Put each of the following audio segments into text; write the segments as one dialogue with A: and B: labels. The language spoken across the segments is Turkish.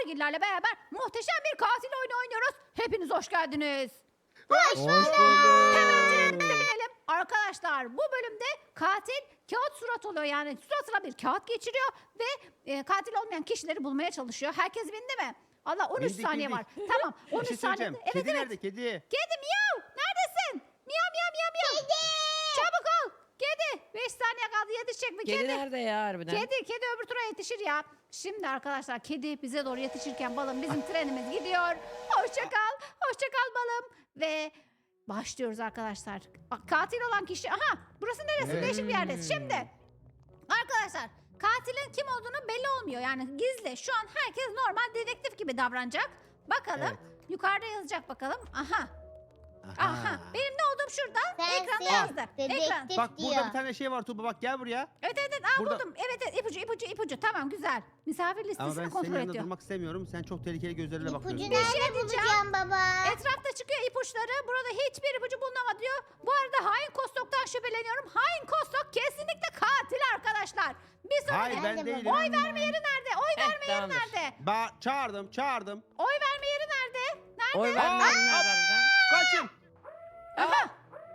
A: Toygillerle beraber muhteşem bir katil oyunu oynuyoruz. Hepiniz hoş geldiniz.
B: Hoş bulduk.
A: Hemenciklerimize binelim. Arkadaşlar bu bölümde katil kağıt surat oluyor. Yani suratına bir kağıt geçiriyor ve katil olmayan kişileri bulmaya çalışıyor. Herkes bindi mi? Allah 13
B: Bindik,
A: saniye
B: bindik.
A: var. Tamam
B: Bir
A: 13
B: şey
A: saniye.
B: söyleyeceğim.
A: Evet
B: Kedi
A: evet.
B: nerede kedi?
A: Kedi miyav. Neredesin? Miyav miyav miyav miyav. Kedi. Çabuk ol. Kedi. 5 saniye kaldı yetişecek mi?
C: Kedi nerede ya harbiden?
A: Kedi öbür tura yetişir ya. Şimdi arkadaşlar kedi bize doğru yetişirken balım bizim trenimiz gidiyor. Hoşça kal balım. Ve başlıyoruz arkadaşlar. Bak, katil olan kişi. Aha burası neresi?
B: Evet.
A: Değişik bir yerdeyiz. Şimdi arkadaşlar katilin kim olduğunu belli olmuyor. Yani gizli. Şu an herkes normal dedektif gibi davranacak. Bakalım.
B: Evet.
A: Yukarıda yazacak bakalım. Aha. Benim ne olduğum şurada. Ekranda
D: Sensin.
A: yazdı. Ekran.
D: Dedektif
B: Bak
D: diyor.
B: burada bir tane şey var Tuğba bak gel buraya.
A: Evet.
B: Burada-
A: Buldum. Evet ipucu. Tamam güzel. Misafir
B: Ama
A: listesini
B: ben senin
A: kontrol
B: yanında
A: ediyor.
B: durmak istemiyorum. Sen çok tehlikeli gözlerle
D: İpucu
B: bakıyorsun.
D: nerede bulacağım baba?
A: Etrafta çıkıyor ipuçları. Burada hiçbir ipucu bulunamadı diyor. Bu arada hain Kostok'tan şüpheleniyorum. Hain Kostok kesinlikle katil arkadaşlar. Bir sonraki
B: Hayır
D: Ben
B: ben
D: de
B: değilim.
A: oy verme yeri nerede? Oy verme yeri
C: tamamdır.
A: nerede?
B: Çağırdım.
A: Oy verme yeri nerede? Nerede?
C: Oy vermeyenler harbiden.
B: Kaçın.
A: Aha.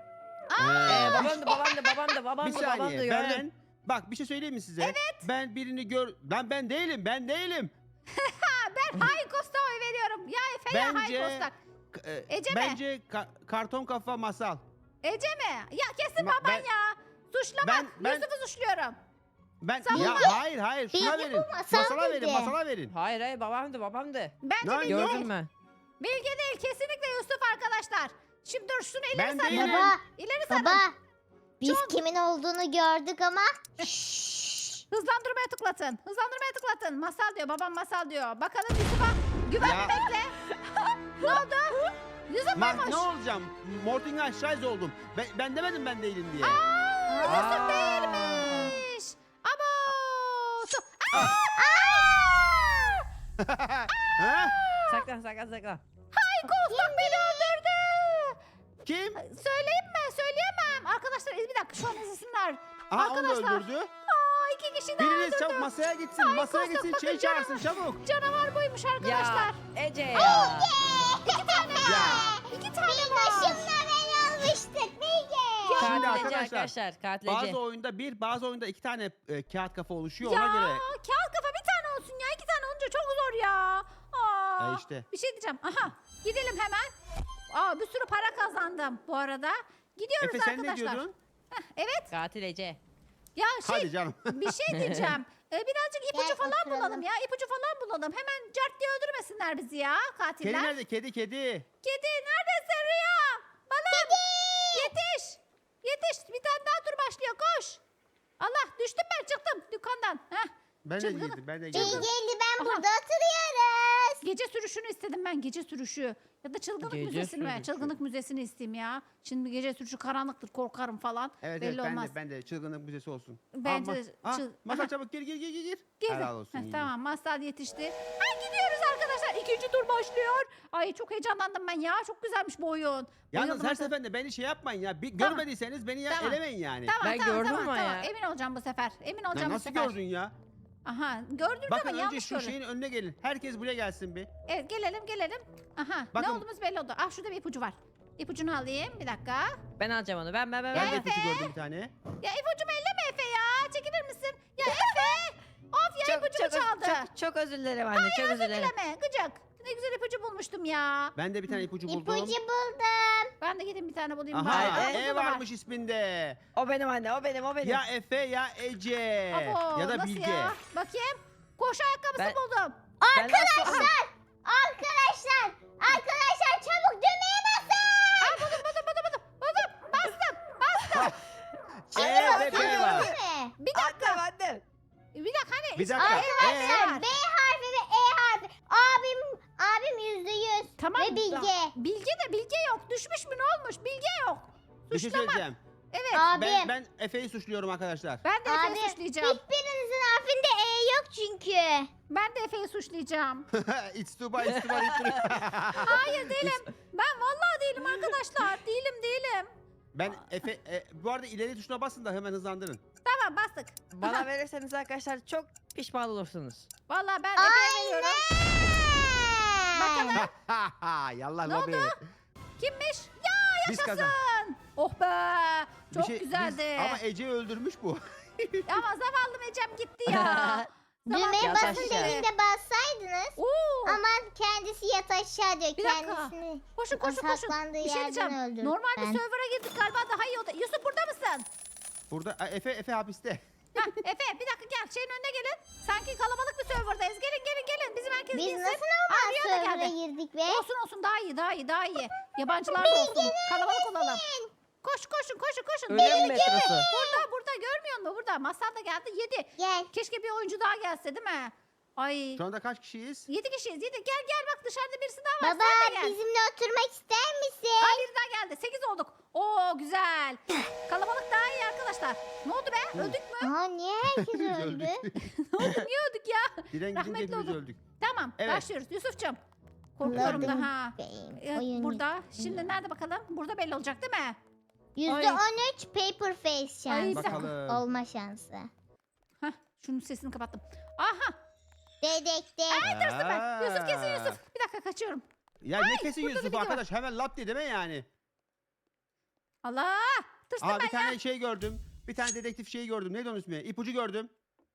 C: Babam
B: Bir
C: da
B: saniye
C: gördüm.
B: bak bir şey söyleyeyim mi size? Evet. Ben birini ben değilim.
A: Ben hain Kostok'a oy veriyorum. Ya Efe ya hain
B: Bence
A: Kostok. Ece mi?
B: bence karton kafa masal.
A: Ece mi? Ya kesin
B: Ma-
A: baban
B: ben-
A: ya. Suçlama.
B: ben-
A: Yusuf'u suçluyorum.
B: Ben
A: Sen
B: ya
A: bunu-
B: hayır şuna
D: Bilgi
B: verin.
D: bu masal dedi.
B: Masala verin.
C: Hayır babamdı.
A: Bence
B: Lan
A: Bilge
C: Gördün
A: değil.
C: mü?
A: Bilge değil. Kesinlikle Yusuf arkadaşlar. Şimdi dur şunu ileri
B: Ben
A: sarın.
B: değilim.
D: Baba,
A: İleri sarın.
D: baba. Biz kimin olduğunu gördük ama.
A: Hızlandırmaya tıklatın. Masal diyor. Babam masal diyor. Bakalım Yusuf'a güvenmekle. Ne oldu? Yusuf muymuş?
B: Ne olacağım? Mortingen Scheiß oldum. Ben demedim ben değilim diye.
A: Yusuf değilmiş. Abo.
B: Ha?
C: Saklan.
A: Hain Kostok beni öldürdü.
B: Kim?
A: Söyleyeyim mi? Söyleyemem. Arkadaşlar bir dakika şu an izlesinler.
B: Aha onu da
A: Arkadaşlar.
B: öldürdü.
A: İki kişi daha
B: Biriniz
A: öldürdü.
B: çabuk masaya gitsin.
A: Ay,
B: Masaya
A: Kostok,
B: gitsin.
A: bakın
B: Şey
A: canım.
B: çağırsın çabuk.
A: Canavar buymuş arkadaşlar.
C: Ya Ece ya.
A: İki tane var. İki tane var.
D: Başımla ben almıştık Bilge.
B: Şimdi
C: Katil Ece
B: arkadaşlar,
C: arkadaşlar. Katil Ece.
B: Bazı oyunda iki tane kağıt kafa oluşuyor
A: Ya
B: ona göre.
A: kağıt kafa bir tane olsun ya. İki tane olunca çok zor ya. Aa,
B: işte.
A: Bir şey diyeceğim. Aha gidelim hemen. Bir sürü para kazandım bu arada. Gidiyoruz
B: Efe sen
A: arkadaşlar.
B: ne diyordun?
A: Evet.
C: Katil Ece.
A: Ya
B: Hadi canım.
A: bir şey diyeceğim. Birazcık ipucu
D: Gel
A: falan
D: oturalım.
A: bulalım ya. İpucu falan bulalım. Hemen cart diye öldürmesinler bizi ya katiller.
B: Kedi nerede? Kedi.
A: Kedi neredesin Rüya? Balım. Yetiş. Bir tane daha tur başlıyor. Koş. Allah düştüm ben çıktım dükkandan. Heh.
B: Ben de
A: Çılgın.
B: girdim.
D: Bilge'yle ben
A: Aha.
D: burada oturuyoruz.
A: Gece sürüşünü istedim ben gece sürüşü. Ya da çılgınlık
C: Gece
A: müzesini mi?
C: sürüşü.
A: Çılgınlık müzesini isteyeyim ya. Şimdi gece sürüşü karanlıktır korkarım falan.
B: Evet
A: Belli olmaz.
B: ben de çılgınlık müzesi olsun.
A: Bence de
B: Masal
A: Aha.
B: çabuk gir.
A: Girdim.
B: Helal olsun.
A: Heh,
B: iyi.
A: tamam masal yetişti. Gidiyoruz arkadaşlar. İkinci tur başlıyor. Ay çok heyecanlandım ben ya. Çok güzelmiş bu oyun.
B: Yalnız
A: Oynadığım
B: her
A: zaman-
B: seferinde beni şey yapmayın ya.
A: Tamam.
B: Görmediyseniz beni ya
A: Tamam.
B: elemeyin yani.
A: Tamam,
C: Ben gördüm ama
A: tamam.
C: ya.
A: Emin olacağım bu sefer. Emin
B: Ya
A: olacağım bu
B: nasıl
A: sefer.
B: gördün ya?
A: Aha gördünüz
B: Bakın
A: ama
B: önce
A: yanlış
B: şu
A: gördüm.
B: şeyin önüne gelin. Herkes buraya gelsin bir.
A: Evet gelelim. Aha ne
B: Bakın.
A: olduğumuz belli oldu. Şurada bir ipucu var. İpucunu alayım bir dakika.
C: Ben alacağım onu. Ben.
A: Ya
B: Ben de
A: Efe.
B: ipucu gördüm bir tane.
A: Ya ipucumu elleme Efe ya. Çekilir misin? Ya Efe. Of ya ipucumu çaldı.
C: Çok özür dilerim anne. Çok özür dilerim.
A: Dileme gıcık. Ne güzel ipucu bulmuştum ya.
B: Ben de bir tane ipucu buldum.
D: İpucu buldum.
A: Ben de gideyim bir tane bulayım.
B: Aha
A: bari.
B: E
A: Burada da var.
B: varmış isminde.
C: O benim anne. O benim.
B: Ya Efe ya Ece.
A: Abo,
B: Ya da
A: nasıl
B: Bilge.
A: ya? Bakayım. Koşu ayakkabısı
C: Ben-
A: buldum.
D: Arkadaşlar çabuk düğmeye basın.
A: Buldum. Bastım.
B: E ve B var.
D: Değil mi?
A: Bir dakika.
C: Anne.
A: Bir dakika hani.
B: Bir dakika.
D: Arkadaşlar B harfi ve E harfi. Abim %100.
A: Tamam.
D: Ve Bilge.
A: Bilge yok. Düşmüş mü ne olmuş? Bilge yok.
B: Bir şey
A: Suçlama.
B: söyleyeceğim.
A: Evet.
D: Abim.
B: Ben Efe'yi suçluyorum arkadaşlar.
A: Ben de Efe'yi
D: Abi,
A: suçlayacağım.
D: Hiçbirinizin harfinde E yok çünkü.
A: Ben de Efe'yi suçlayacağım.
B: It's too bad, it's too bad.
A: Hayır değilim. Ben vallahi değilim arkadaşlar. Değilim.
B: Ben bu arada ileri tuşuna basın da hemen hızlandırın.
A: Tamam bastık.
C: Bana verirseniz arkadaşlar çok pişman olursunuz.
A: Vallahi ben Efe'ye veriyorum.
B: Yallah
A: Ne
B: lobi.
A: Kimmiş? Ya
B: Biz
A: yaşasın.
B: kazan.
A: Oh be. Çok
B: Bir şey-
A: güzeldi.
B: Ama Ece'yi öldürmüş bu.
A: Ama zavallı Ecem gitti ya.
D: Düğmeye
C: Yat
D: basın
C: aşağı.
D: dediğinde bassaydınız.
A: Oo.
D: Ama kendisi yat aşağı diyor.
A: Bir dakika.
D: Kendisini
A: Koşun
D: o
A: koşun koşun.
D: saklandığı
A: Bir şey
D: yerden
A: diyeceğim.
D: öldürdüm
A: Normal bir
D: ben.
A: server'a girdik galiba daha iyi oldu. Yusuf burada mısın?
B: Burada Efe hapiste.
A: Hah, Efe bir dakika gel şeyin önüne gelin. Sanki kalabalık bir serverdayız. Gelin. Bizim herkes
D: Biz
A: bilsin.
D: nasıl normal
A: Rüya da
D: server'a
A: geldi.
D: girdik be?
A: Olsun daha iyi. Yabancılar da olsun. Kalabalık olalım. Koşun.
C: Ölüm metrosu.
A: Burada görmüyor musun? Burada. Masal da geldi 7.
D: Gel.
A: Keşke bir oyuncu daha gelse değil mi? Ay.
B: Şu anda kaç kişiyiz?
A: 7 kişiyiz. Gel bak dışarıda birisi daha var.
D: Baba
A: Sen de gel.
D: bizimle oturmak ister misin?
A: Aa, biri daha geldi. 8 olduk. Oo güzel. Kalabalık daha iyi arkadaşlar. Ne oldu be? Öldük mü?
D: Aa niye herkes
B: Biz
D: öldü?
B: öldük.
A: Ne oldu? Niye öldük ya?
B: Diren gidince
A: Rahmetli
B: hepimiz
A: olduk.
B: öldük.
A: Tamam
B: Evet.
A: başlıyoruz. Yusuf'cum. Korkuyorum da
D: Loading
A: ha.
D: game. Oyun
A: Burada. Şimdi nerede bakalım? Burada belli olacak değil mi?
D: %13 paper face
A: Ay,
D: şansı.
B: Bakalım.
D: Olma şansı.
A: Hah, şunun sesini kapattım. Aha.
D: Dedektif.
A: Tırsın ben. Yusuf kesin
B: Aa.
A: Yusuf. Bir dakika kaçıyorum.
B: Ya ne kesin
A: burada da
B: Yusuf
A: biri var.
B: arkadaş hemen lap diye deme yani.
A: Allah. Tırstım
B: Aa
A: ben
B: bir tane şey gördüm. Bir tane dedektif şeyi gördüm. Neydi onun ismi? İpucu gördüm.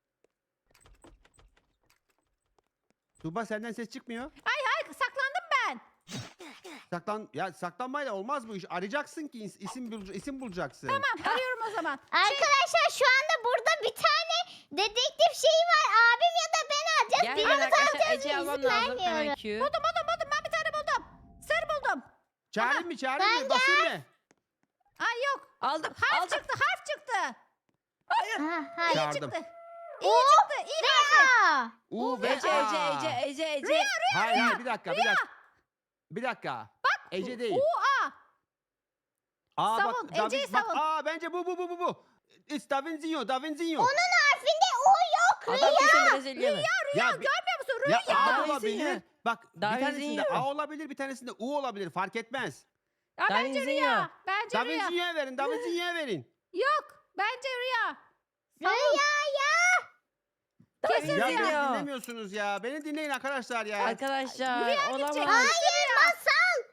B: Tuğba senden ses çıkmıyor.
A: Ay saklandım ben.
B: Saklanmayla olmaz bu iş. Arayacaksın ki isim bulacaksın.
A: Tamam arıyorum o zaman.
D: Arkadaşlar şu anda burada bir tane dedektif şeyi var. Abim ya da ben alacağız.
C: Gel
D: Birimiz
C: arkadaşlar
D: alacağız.
C: Ece almam
D: izin
C: lazım. Hemen
D: vermiyorum.
C: Q.
A: Buldum. Ben bir tane buldum. Sarı buldum.
B: Çağırayım mı? Basayım mı?
A: Ay yok.
C: Aldım.
A: Harf çıktı.
D: Ha, hayır.
B: Çağırdım.
A: Çıktı. İyi çıktı. İyi harfi.
D: Aa,
B: U ve
C: Ece
B: A.
C: Ece.
B: Hayır bir dakika. Bir dakika. Ece değil.
A: U-A.
B: Aa
A: savun, Ece'yi savun.
B: Aa bence bu. It's Da Vinci.
D: onun harfinde O yok.
C: Adam kesin Brezilyalı.
B: Ya,
A: Görmüyor musun?
B: ya
A: Rüya.
B: A
C: Da Vinci
B: olabilir.
C: ya.
B: Bak
C: Da
B: bir tanesinde
C: Vinci
B: A olabilir, bir tanesinde U olabilir. Fark etmez.
A: Ya
C: Da
A: bence
C: Vinci
A: Rüya.
C: ya.
A: Bence
B: Da
A: Rüya.
B: Vinci'ye verin. Da Vinci'ye verin.
A: Yok. Bence Rüya.
D: Rüya ya.
A: Kesin
B: Ya
A: Rüya.
B: beni dinlemiyorsunuz ya. Beni dinleyin arkadaşlar ya.
C: Arkadaşlar
A: Rüya
C: olamaz.
A: gidecek.
D: Hayır masal.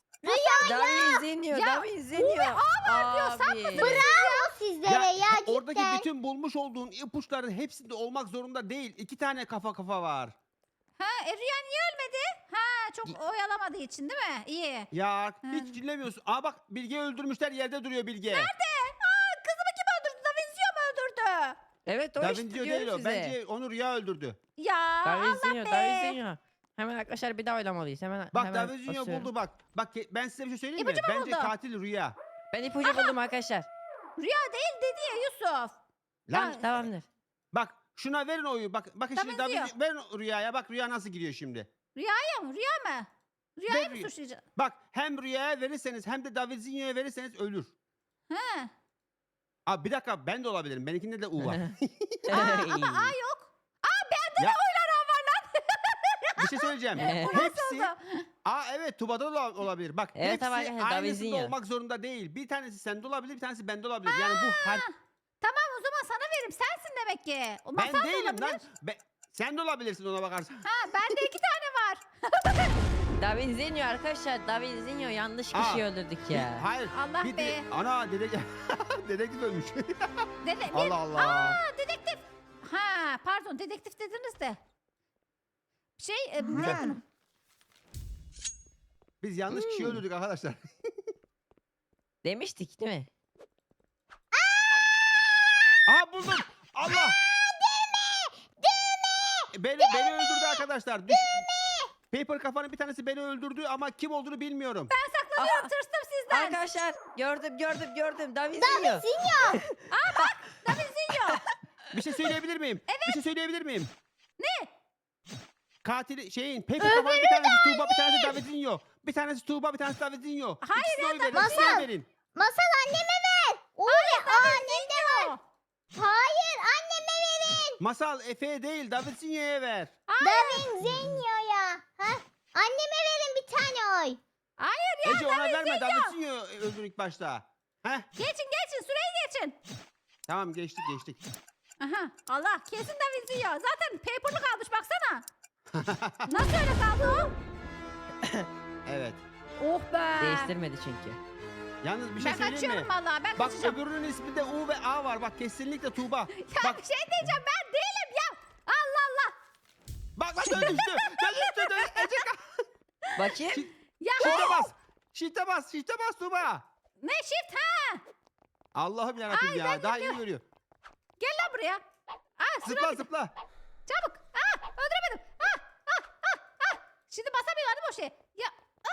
C: Da Vinci. Abi.
D: Bravo sizlere ya cidden.
B: Oradaki bütün bulmuş olduğun ipuçların hepsinde olmak zorunda değil. 2 tane kafa var.
A: Ha, Rüya niye ölmedi? Ha, çok oyalamadığı için değil mi? İyi.
B: Ya hiç dinlemiyorsun. Aa bak Bilge'yi öldürmüşler, yerde duruyor Bilge.
A: Kızımı kim öldürdü? Da Vinci mi öldürdü?
C: Evet o
B: Da
C: işte
B: Vinci değil
C: diyorum
B: o.
C: size.
B: Bence onu Rüya öldürdü.
A: Ya
C: Da
A: Allah
C: Vinci.
A: be.
C: Da Vinci. Hemen arkadaşlar bir daha oylamalıyız. Hemen
B: Bak
C: hemen
B: Da Vinci'yi
C: basıyorum.
B: buldu bak. Bak ben size bir şey söyleyeyim mi?
A: İpucu mu
B: Bence
A: buldu?
B: katil Rüya.
C: Ben ipucu buldum arkadaşlar.
A: Rüya değil dedi ya Yusuf.
B: Lan
A: Ha,
C: Tamamdır.
B: bak şuna verin oyu. Bakın
A: Da
B: şimdi Da
A: Vinci.
B: Vinci verin Rüya'ya. Bak Rüya nasıl giriyor şimdi.
A: Rüyaya mı? Rüya mı? Rüyayı
B: Ver
A: mı
B: Rüya.
A: suçlayacağız?
B: Bak hem Rüya'ya verirseniz hem de Da Vinci'ye verirseniz ölür.
A: Ha.
B: Abi bir dakika ben de olabilirim. Benimkinde de U var.
A: Ama A yok.
B: ya, bir şey söyleyeceğim. Hepsi
A: Oldu.
B: evet Tuba'da da olabilir. Bak
C: Evet,
B: hepsi
C: ama arkadaşlar, Da
B: aynısında
C: Vinci.
B: olmak zorunda değil. Bir tanesi sende olabilir, bir tanesi bende olabilir. Yani bu her
A: Tamam o zaman sana veririm. Sensin demek ki. O
B: ben
A: masal da
B: değilim
A: olabilir.
B: lan. Sen de olabilirsin ona bakarsan.
A: Ha bende 2 tane var.
C: Da Vinci arkadaşlar. Da Vinci yanlış
B: Aa,
C: kişiyi öldürdük ya.
B: Hayır.
A: Allah
B: bir
A: be.
B: Ana dedektif ölmüş.
A: Dede,
B: Allah Allah.
A: Aa dedektif. Ha pardon dedektif dediniz de. Ne yaptın?
B: Biz yanlış kişiyi öldürdük arkadaşlar.
C: Demiştik değil mi?
B: Aha buldum. Allah. Beni öldürdü arkadaşlar. Paper kafanın bir tanesi beni öldürdü ama kim olduğunu bilmiyorum.
A: Ben saklanıyorum
C: Aha.
A: tırstım sizden.
C: Arkadaşlar gördüm. Da Vinci.
D: Sinyo.
A: Da Vinci.
B: Bir şey söyleyebilir miyim? Bir şey söyleyebilir miyim?
A: Ne?
B: Katili Paper kafanın bir tanesi Tuğba, bir tanesi Davidinho. Bir tanesi Tuğba, bir tanesi Davidinho.
A: Hayır
B: İkisine
A: ya,
B: oy verin.
D: Masal.
B: İkisine verin.
D: Masal anneme ver. Annem de var. Hayır anneme verin.
B: Masal Efe'ye değil Davidinho'ya ver.
D: Davin Zenyo'ya. Ha? Anneme verin bir tane oy.
A: Hayır ya
B: Ece ona verme
A: Davinzinho.
B: Davidinho öldür ilk başta. Heh,
A: Geçin süreyi geçin.
B: tamam geçtik.
A: Aha Allah kesin Davinzinho. Zaten paper'lı kalmış baksana. Nasıl öyle kaldı o?
B: Evet.
A: Oh be.
C: Değiştirmedi çünkü.
B: Yalnız bir şey
A: Ben
B: söyleyeyim
A: kaçıyorum
B: mi?
A: valla. Ben
B: Bak
A: kaçacağım.
B: öbürünün isminde U ve A var. Bak kesinlikle Tuğba.
A: Ya
B: Bak
A: bir şey diyeceğim, ben değilim ya. Allah Allah.
B: bak dönüştü. Dönüştü. Ece
C: Bakayım.
A: Ya
B: Shift'e bas. Shift'e bas. Shift'e bas Tuğba.
A: ne shift ha?
B: Allah'ım yarabbim ya. Daha iyi görüyor.
A: Gel lan buraya. Aa,
B: Zıpla zıpla.
A: çabuk. Öldüremedim. Şimdi basamıyor değil mi o şey? Ya.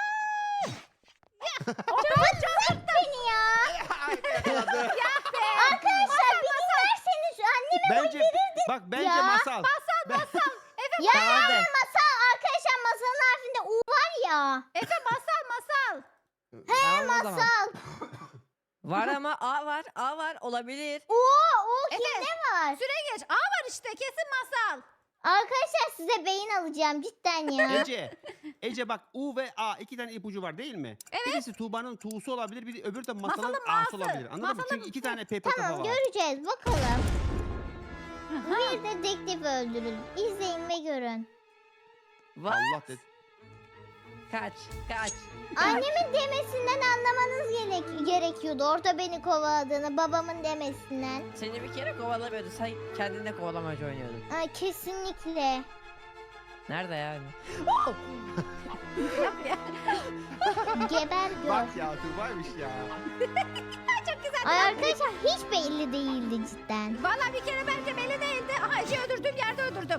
D: Bırak beni ya.
B: Yakaladı.
D: Arkadaşlar beni verseniz anneme
B: Bence bak bence
D: Ya.
B: masal.
D: Ya
C: Tamamdır.
D: masal arkadaşlar masalın harfinde U var ya.
A: Efe masal.
C: Tamam o zaman.
D: Masal.
C: Var ama A var. A var. Olabilir.
D: U
A: Efe.
D: kimde var?
A: Süre geç. A var işte, kesin masal.
D: Arkadaşlar size beyin alacağım cidden ya.
B: Ece bak U ve A iki tane ipucu var değil mi?
A: Evet.
B: Birisi Tuğba'nın Tuğ'su olabilir, biri öbürü de Masal'ın
A: Masalın
B: A'sı
A: A'sı.
B: olabilir. Anladın mı?
A: Masalın
B: Çünkü iki tane paper kafa
D: Tamam
B: var.
D: göreceğiz bakalım. Bir dedektif öldürün. İzleyin ve görün.
C: What?
B: Allah dedi.
C: Kaç. Kaç.
D: Annemin demesinden anlamanız gerekiyordu. Orada beni kovaladığını babamın demesinden.
C: Seni bir kere kovalamıyordu. Sen kendinle kovalamacı oynuyordun.
D: Ay, kesinlikle.
C: Nerede yani?
D: Geber gör.
B: Bak ya Tuğba'ymış ya.
A: Çok güzel.
D: Ay arkadaşlar hiç belli değildi cidden.
A: Valla bir kere bence belli değildi. Aha, Ece'yi öldürdüğüm yerde öldürdüm.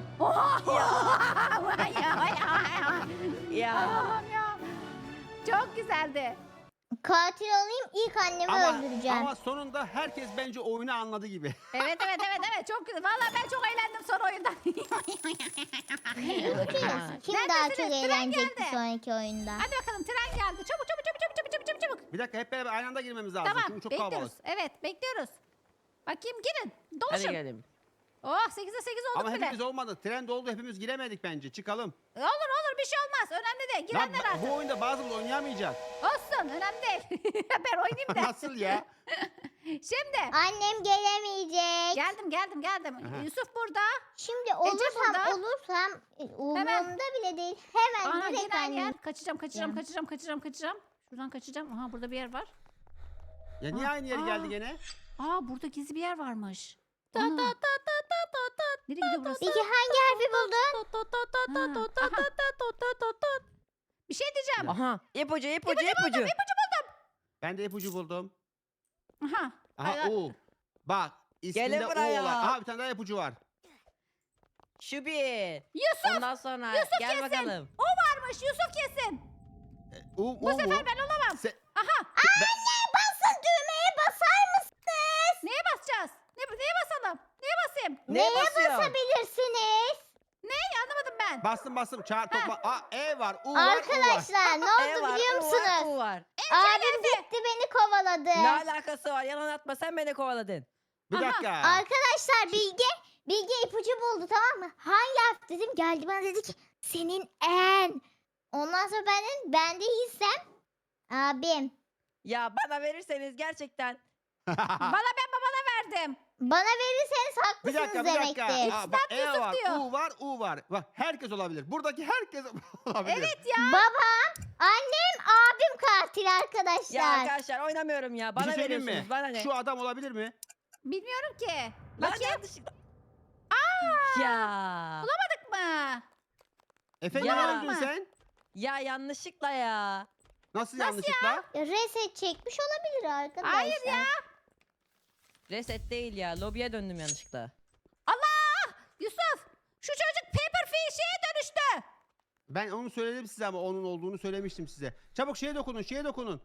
C: Ya.
A: Allah'ım ya. Çok güzeldi.
D: Katil olayım ilk annemi öldüreceğim.
B: Ama sonunda herkes bence oyunu anladı gibi.
A: Evet çok güzel. Valla ben çok eğlendim son oyunda.
D: Kim daha çok
A: Neredesiniz? Tren
D: eğlenecek bir
A: geldi.
D: sonraki oyunda?
A: Hadi bakalım, tren geldi. Çabuk.
B: Bir dakika hep beraber aynı anda girmemiz lazım.
A: Tamam,
B: Çünkü çok
A: bekliyoruz.
B: kalabalık.
A: Evet, bekliyoruz. Bakayım, girin.
C: Hadi
A: Doluşun.
C: gelin.
A: Oh, 8'e 8 olduk
B: Ama
A: bile.
B: hepimiz olmadı. Tren doldu hepimiz giremedik bence. Çıkalım.
A: Olur bir şey olmaz. Önemli değil.
B: Lan,
A: Girenler artık.
B: bu oyunda bazımız oynayamayacak.
A: Olsun, önemli değil. Ben oynayayım da.
B: Nasıl ya?
A: Şimdi.
D: Annem gelemeyecek.
A: Geldim.
B: Aha.
A: Yusuf burada.
D: Şimdi
A: burada.
D: olursam umurumda bile değil. Hemen
A: Aha,
D: direkt
A: yine aynı yer.
D: annem.
A: Kaçacağım. Şuradan kaçacağım. Aha, burada bir yer var.
B: Ya niye aynı yere geldi gene?
A: Burada gizli bir yer varmış. Ana. Nereye gidiyor burası?
D: Peki hangi harfi buldun?
A: Bir şey diyeceğim.
C: Aha. İpucu.
B: Ben de ipucu buldum.
A: Aha.
B: Aha U. Bak isminde
C: Gelin
B: U
C: buraya.
B: olan. Aha bir tane daha ipucu var.
C: Şu bir.
A: Yusuf
C: Ondan sonra gel
A: kesin.
C: bakalım.
A: o varmış. Yusuf kesin.
B: U
A: Bu sefer ben olamam. Aha.
D: Anne basın düğmeye basar mısınız?
A: Neye basacağız? Neye basalım? Neye basayım?
C: Neye
D: Neye
C: basıyor?
D: basabilirsiniz?
A: Neyi anlamadım ben.
B: Bastım. Çağır topla. E var, U var, U var.
D: Arkadaşlar ne
C: E
D: oldu
C: var,
D: biliyor
C: U var,
D: musunuz?
C: U var.
D: Abim gitti beni kovaladı.
C: Ne alakası var? Yalan atma, sen beni kovaladın.
B: Bir
A: Aha.
B: dakika.
D: Arkadaşlar Bilge ipucu buldu tamam mı? Hangi harf dedim geldi bana dedi ki senin en. Ondan sonra ben de hissem abim.
C: Ya bana verirseniz gerçekten.
A: Ben babana verdim.
D: Bana verirseniz
B: Bir
D: haklısınız
B: dakika.
D: demektir.
B: Aa, bak E
A: Yusuf
B: var,
A: diyor.
B: U var. Bak herkes olabilir. Buradaki herkes olabilir.
A: Evet ya.
D: Babam, annem, abim katil arkadaşlar.
C: Ya arkadaşlar oynamıyorum ya.
B: Bir
C: Bana
B: şey söyleyeyim mi?
C: veriyorsunuz. Bana ne?
B: Şu adam olabilir mi?
A: Bilmiyorum ki.
C: Lan
A: Bakayım.
C: yanlışlıkla. Ya.
A: Bulamadık mı?
B: Efe
C: Ya.
B: niye öldün sen?
C: Ya yanlışlıkla ya.
B: Nasıl yanlışlıkla?
D: Reset çekmiş olabilir arkadaşlar.
A: Hayır ya.
C: Reset değil ya. Lobiye döndüm yanlışlıkla.
A: Allah! Yusuf! Şu çocuk paper fish'e dönüştü.
B: Ben onu söyledim size ama onun olduğunu söylemiştim size. Çabuk şeye dokunun.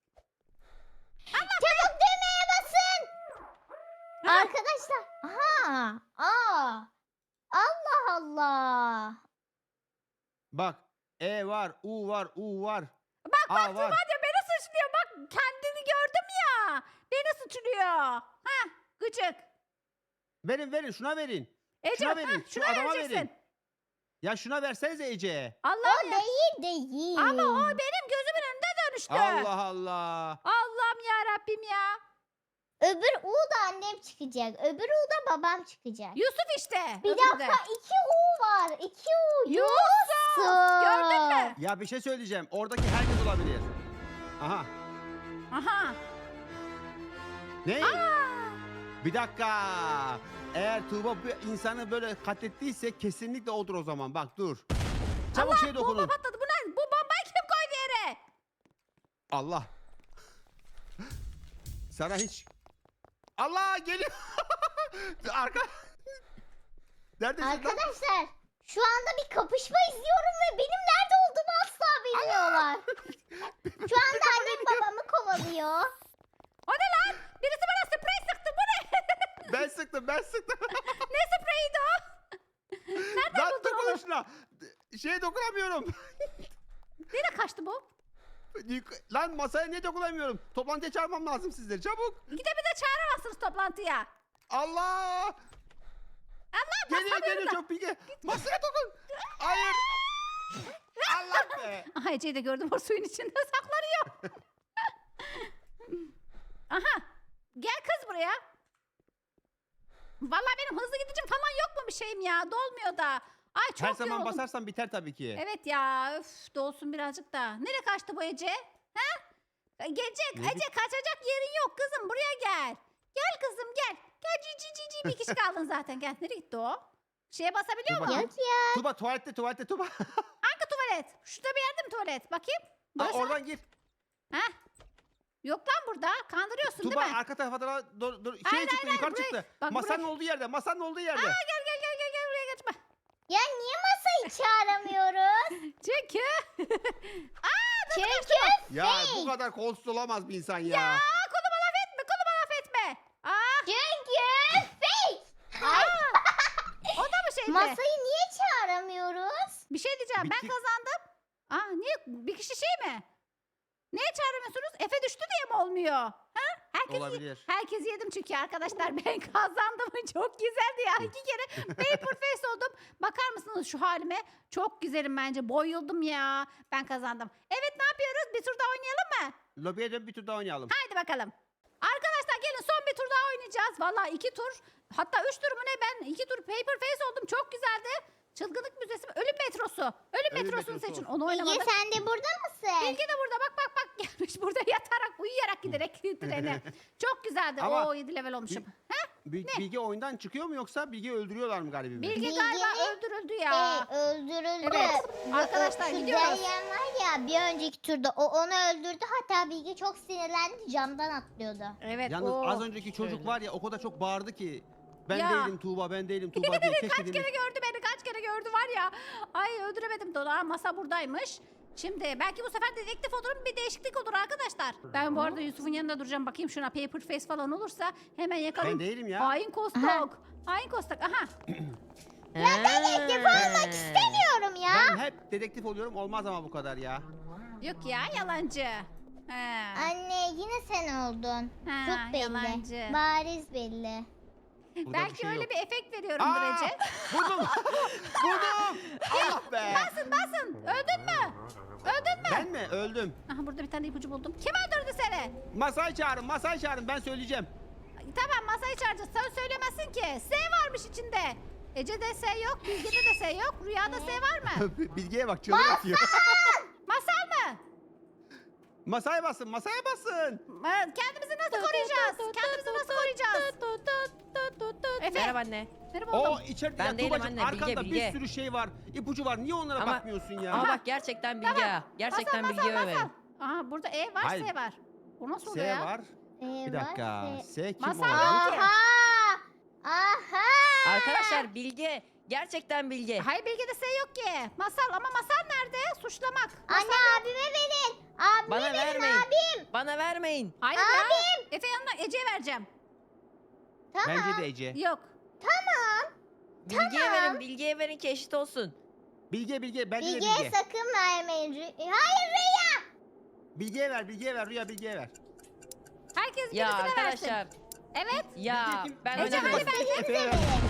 D: Çabuk düğmeye basın. Arkadaşlar. Aha. Allah Allah.
B: Bak E var, U var, U var.
A: Bak
B: A var.
A: Tuğba beni suçluyor. Bak kendini gördüm ya. Beni suçluyor. Ha, gıcık.
B: Verin şuna verin.
A: Ece,
B: Şuna verin, şu
A: şuna
B: adama
A: vereceksin.
B: verin. Ya şuna versenize Ece'ye.
A: Allah'ım
D: O
A: ya.
D: değil.
A: Ama o benim gözümün önünde dönüştü.
B: Allah Allah.
A: Allah'ım ya Rabbim ya.
D: Öbür U da annem çıkacak. Öbür U da babam çıkacak.
A: Yusuf işte.
D: Bir
A: öbürü de.
D: dakika 2 U var. 2 U.
A: Yusuf. Gördün mü?
B: Ya bir şey söyleyeceğim. Oradaki herkes olabilir. Aha.
A: Aha.
B: Ne? Bir dakika. Eğer Tuğba bir insanı böyle katlettiyse kesinlikle odur o zaman. Bak dur. Çabuk
A: Allah,
B: şey dokunun.
A: bomba patladı. Bu ne? Bu bombayı kim koydu yere?
B: Allah. Sana hiç... Allah geliyor. Arka... Neredesin lan?
D: Arkadaşlar şu anda bir kapışma izliyorum ve benim nerede olduğumu asla bilmiyorlar. Şu anda annem babamı kovalıyor.
A: O ne lan? Birisi bana sprey sıktı. Bu ne?
B: Ben sıktım.
A: Ne spreyiydi o? Nereden
B: Lan
A: buldun
B: dokun
A: onu?
B: şuna. Şeye dokunamıyorum.
A: Nereye kaçtı bu?
B: Lan masaya niye dokunamıyorum? Toplantıya çağırmam lazım sizleri. Çabuk.
A: Gidemize çağıramazsınız toplantıya.
B: Allah.
A: Allah
B: Geliyor çok bilgi. Masaya dokun. Hayır. Allah be.
A: Aha Ece'yi de gördüm o suyun içinde saklanıyor. Aha. Gel kız buraya. Vallahi benim hızlı gideceğim falan yok mu bir şeyim ya? Dolmuyor da. Ay çok
B: Her zaman
A: yoruldum.
B: basarsan biter tabii ki.
A: Evet ya. Öf, dolsun birazcık da. Nereye kaçtı bu Ece? Ha? Gelecek.
B: Ne
A: Ece kaçacak yerin yok kızım. Buraya gel. Gel kızım gel. Gel cici bir kişi kaldın zaten. Gel. Nereye gitti o? Şeye basabiliyor
B: Dur
A: mu?
B: bakayım.
D: Yok ya.
B: Tuba tuvalette Tuba.
A: Hangi tuvalet? Şurada bir yerde mi tuvalet? Bakayım.
B: Aa,
A: Burası.
B: oradan gir.
A: Ha? Yok lan burada. Kandırıyorsun
B: Tuba
A: değil mi?
B: arka tarafa dur.
A: Hayır,
B: Şey çıktı
A: hayır,
B: yukarı
A: buraya-
B: çıktı.
A: bak
B: Masanın
A: buraya-
B: olduğu yerde. Masanın olduğu yerde.
A: Gel buraya geçme.
D: Ya niye masayı çağıramıyoruz?
A: Çünkü.
D: Çünkü
B: Ya bu kadar kolsuz olamaz bir insan ya.
A: Aa, koluma laf etme. Koluma laf etme.
D: çünkü fake. Ay,
A: O da mı şeydi?
D: masayı niye çağıramıyoruz?
A: Bir şey diyeceğim. Ben
B: Bitti.
A: kazandım. Niye? Bir kişi şey mi? Niye çağıramıyorsunuz? Efe düştü diye mi olmuyor? Ha?
B: Olabilir.
A: Herkesi yedim çünkü arkadaşlar ben kazandım. Çok güzeldi ya. 2 kere paper face oldum. Bakar mısınız şu halime? Çok güzelim bence. Boyuldum ya. Ben kazandım. Evet ne yapıyoruz? Bir tur daha oynayalım mı?
B: Lobiye dön bir tur daha oynayalım.
A: Haydi bakalım. Arkadaşlar gelin son bir tur daha oynayacağız. Vallahi 2 tur. Hatta 3 tur mu ne? Ben 2 tur paper face oldum. Çok güzeldi. Çılgınlık müzesi mi? Ölüm metrosu. Ölüm
B: Ölüm
A: metrosunu
B: metrosu.
A: seçin. Onu
D: Bilge
A: oynamadım.
D: sen de burada mısın?
A: Bilge de burada bak gelmiş burada yatarak uyuyarak giderek trene. Çok güzeldi.
B: Ama-
A: Oo 7 level olmuşum. Ha?
B: Bilge oyundan çıkıyor mu yoksa Bilge öldürüyorlar mı galiba?
A: Bilge
D: Bilge'nin-
A: galiba öldürüldü ya.
D: Öldürüldü.
A: Evet,
D: Bu-
A: arkadaşlar
D: şu
A: gidiyoruz.
D: Deryan var ya bir önceki turda o onu öldürdü. Hatta Bilge çok sinirlendi camdan atlıyordu.
A: Evet.
B: Yalnız
A: oo.
B: az önceki çocuk
C: Şöyle.
B: var ya o kadar çok bağırdı ki. Ben
A: Ya.
B: değilim Tuğba diye. Keşke
A: Kaç
B: demiş.
A: kere gördü beni kaç kere gördü var ya. Ay öldüremedim Dola. Masa buradaymış. Şimdi belki bu sefer dedektif olurum bir değişiklik olur arkadaşlar. Ben bu arada Yusuf'un yanında duracağım. Bakayım şuna paper face falan olursa hemen yakalayayım.
B: Ben değilim ya.
A: Hain kostok. Hain kostok. Aha.
C: Ya
D: Dedektif olmak istemiyorum ya.
B: Ben hep dedektif oluyorum olmaz ama bu kadar ya.
A: Yok ya yalancı. He.
D: Anne yine sen oldun.
A: Ha,
D: Çok belli.
A: yalancı.
D: Bariz belli.
B: Burada bir
A: Belki
B: şey
A: öyle
B: yok.
A: bir efekt veriyorumdur
B: Aa!
A: Ece.
B: Buldum. Allah be.
A: Basın. Öldün mü? Öldün mü?
B: Ben mi? Öldüm.
A: Aha burada bir tane ipucu buldum. Kim öldürdü seni?
B: Masayı çağırın ben söyleyeceğim.
A: Tamam masayı çağıracağız. Sen söylemezsin ki. S varmış içinde. Ece'de S yok. Bilge'de de S yok. Rüyada S var mı?
B: Bilge'ye bak çığlık atıyor.
A: Masal mı?
B: Masaya basın.
A: Kendimizi nasıl koruyacağız? Kendimizi nasıl koruyacağız? Efe.
C: Merhaba anne.
A: Merhaba
B: O
A: oğlum.
B: içeride
C: Ben
B: ya
C: değilim
B: Tuğbacığım,
C: anne, Bilge,
B: arkanda
C: Bilge.
B: bir sürü şey var. İpucu var. Niye onlara
C: Ama-
B: bakmıyorsun ya?
C: Ama bak gerçekten Bilge ha. Gerçekten
A: Masal,
C: Bilge
A: masal,
C: öyle.
A: masal. Aha burada E var
B: Hayır.
A: S var. O nasıl oluyor
B: S
A: ya?
B: var. Bir dakika. S kim
A: Masal
B: oldu?
A: yok.
D: Aha! Aha!
C: Arkadaşlar Bilge. Gerçekten Bilge.
A: Hayır Bilge'de S yok ki. Masal ama masal nerede? Suçlamak.
D: Anne abime verin. Abime
C: Bana
D: verin
C: vermeyin.
D: abim.
C: Bana vermeyin.
A: Hayır ya. Efe yanına Ece'ye vereceğim.
D: Tamam.
B: Bence de Ece.
A: Yok.
C: Bilge'ye verin. Bilge'ye verin ki eşit olsun.
B: Bence de
D: Bilge'ye
B: Bilge.
D: sakın vermeyin. Hayır Rüya.
B: Bilge'ye ver. Rüya Bilge'ye ver.
A: Herkes
C: Ya
A: birisine
C: arkadaşlar.
A: versin. Evet.
C: Ya
B: Bilge kim?
C: ben
A: Ece,
C: oynamıyorum.
A: hadi ver.
B: Efe'ye ver.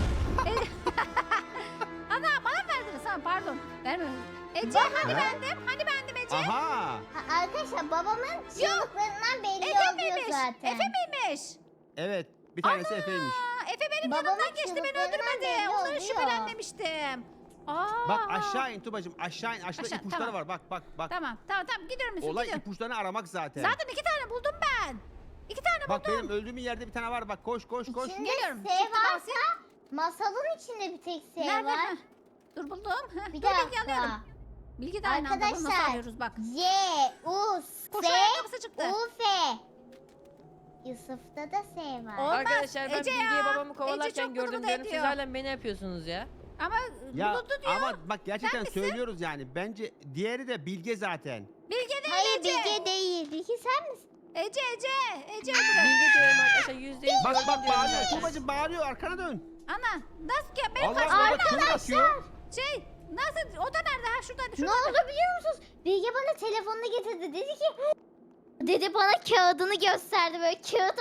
A: Ana bana mı verdiniz? Ha, pardon. Vermiyorum. Ece hani
B: Ha?
A: bendim? Hani bendim Ece?
B: Aha.
D: Arkadaşlar babamın çığlıklarından belli
A: Efe
D: oluyor
A: miymiş?
D: zaten.
A: Efe miymiş?
B: Evet. Bir tanesi Efe'ymiş.
A: Aa, Efe benim
D: Babamın
A: yanımdan geçti beni
D: çığlıklarından
A: öldürmedi.
D: belli
A: Ondan
D: oluyor.
A: şüphelenmemiştim. Aa.
B: Bak aşağı in Tuba'cığım, aşağı in. Aşağıda
A: Aşağı,
B: ipuçları
A: tamam.
B: var. Bak.
A: Tamam gidiyorum Yusuf,
B: Olay
A: gidiyorum.
B: ipuçlarını aramak zaten.
A: Zaten 2 tane buldum ben. 2 tane
B: Bak
A: buldum.
B: benim öldüğüm yerde bir tane var. Bak koş.
D: İçinde
A: Geliyorum.
D: S
A: Shift'e
D: varsa
A: basayım.
D: masalın içinde bir tek S
A: Nerede?
D: var.
A: Heh. Dur buldum. Heh,
D: Bir
A: dur Bilgi alıyorum.
D: dakika.
A: Bilgi de aynı anda bunu nasıl
D: Arkadaşlar,
A: arıyoruz bak.
D: Y, U,
A: Koşu
D: S,
A: ayakkabısı çıktı.
D: U, F. Yusuf'ta da S var.
A: Olmaz,
C: Arkadaşlar ben
A: Ece ya.
C: Bilge'yi babamı
A: Ece
C: kovalarken
A: çok
C: gördüm
A: bunu
C: diyorum. Siz
A: ediyor.
C: hala beni yapıyorsunuz ya.
A: Ama
B: Ya
A: bulundu diyor.
B: ama bak gerçekten
A: misin?
B: söylüyoruz yani. Bence diğeri de Bilge zaten.
A: Bilge değil
D: Hayır
A: Ece.
D: Bilge değil. Bilge sen misin?
A: Ece. Ece.
C: Bilge diyorum arkadaşlar %100
B: Bak
C: gördüm diyorum
B: bağırıyor.
C: zaten.
B: Tuba'cığım bağırıyor. Arkana dön.
A: Ana nasıl ki benim
B: Allah
A: karşıma
B: Allah bak kim bakıyor?
A: şey nasıl o da nerede ha şuradaydı
D: Ne
A: şurada.
D: oldu biliyor musunuz? Bilge bana telefonunu getirdi. Dedi ki dedi bana kağıdını gösterdi böyle kağıt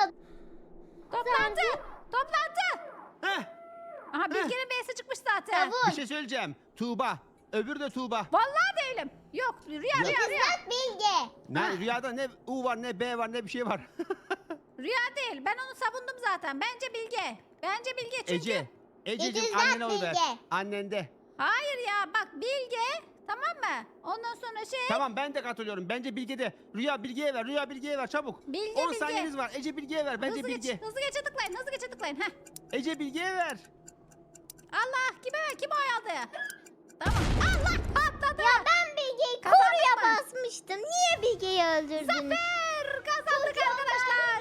A: Toplantı.
B: Heh,
A: Aha Bilge'nin B'si çıkmış zaten.
D: Tavuk.
B: bir şey söyleyeceğim. Tuğba. Öbürü de Tuğba.
A: Vallahi değilim. Yok rüya.
D: Kızmak Bilge.
B: Ne, rüyada ne U var ne B var ne bir şey var.
A: Rüya değil. Ben onu savundum zaten. Bence Bilge. Bence Bilge çünkü.
B: Ece. Ececiğim
D: İkizler
B: annene oy ver.
D: Bilge.
B: Annende.
A: Hayır ya bak Bilge. Tamam mı? Ondan sonra şey.
B: Tamam ben de katılıyorum. Bence Bilge de. Rüya Bilge'ye ver. Rüya Bilge'ye ver çabuk.
A: Bilge,
B: 10
A: Bilge.
B: saniyeniz var. Ece Bilge'ye ver. Bence
A: hızlı
B: Bilge.
A: geç. Hızlı geçe tıklayın. Hızlı geçe tıklayın. Heh.
B: Ece Bilge'ye ver.
A: Allah kime ver? Kim oy aldı? Tamam. Allah patladı.
D: Ya ben Bilge'yi
A: Kazandık
D: koruya
A: mı?
D: basmıştım. Niye Bilge'yi öldürdünüz?
A: Zafer kazandık arkadaşlar.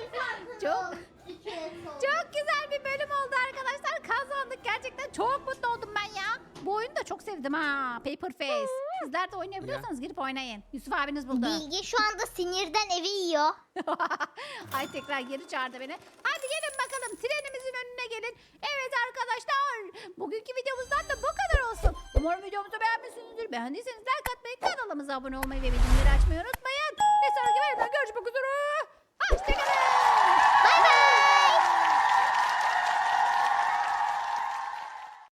A: Çok güzel bir bölüm oldu arkadaşlar. Kazandık gerçekten. Çok mutlu oldum ben ya. Bu oyunu da çok sevdim ha. Paper Face. Sizler de oynayabiliyorsanız girip oynayın. Yusuf abiniz buldu.
D: Bilge şu anda sinirden evi yiyor.
A: Ay tekrar geri çağırdı beni. Hadi gelin bakalım trenimizin önüne gelin. Evet arkadaşlar. Bugünkü videomuzdan da bu kadar olsun. Umarım videomuzu beğenmişsinizdir. Beğendiyseniz like atmayı, kanalımıza abone olmayı ve bildirimleri açmayı unutmayın. Ve sonraki bölümde görüşmek üzere.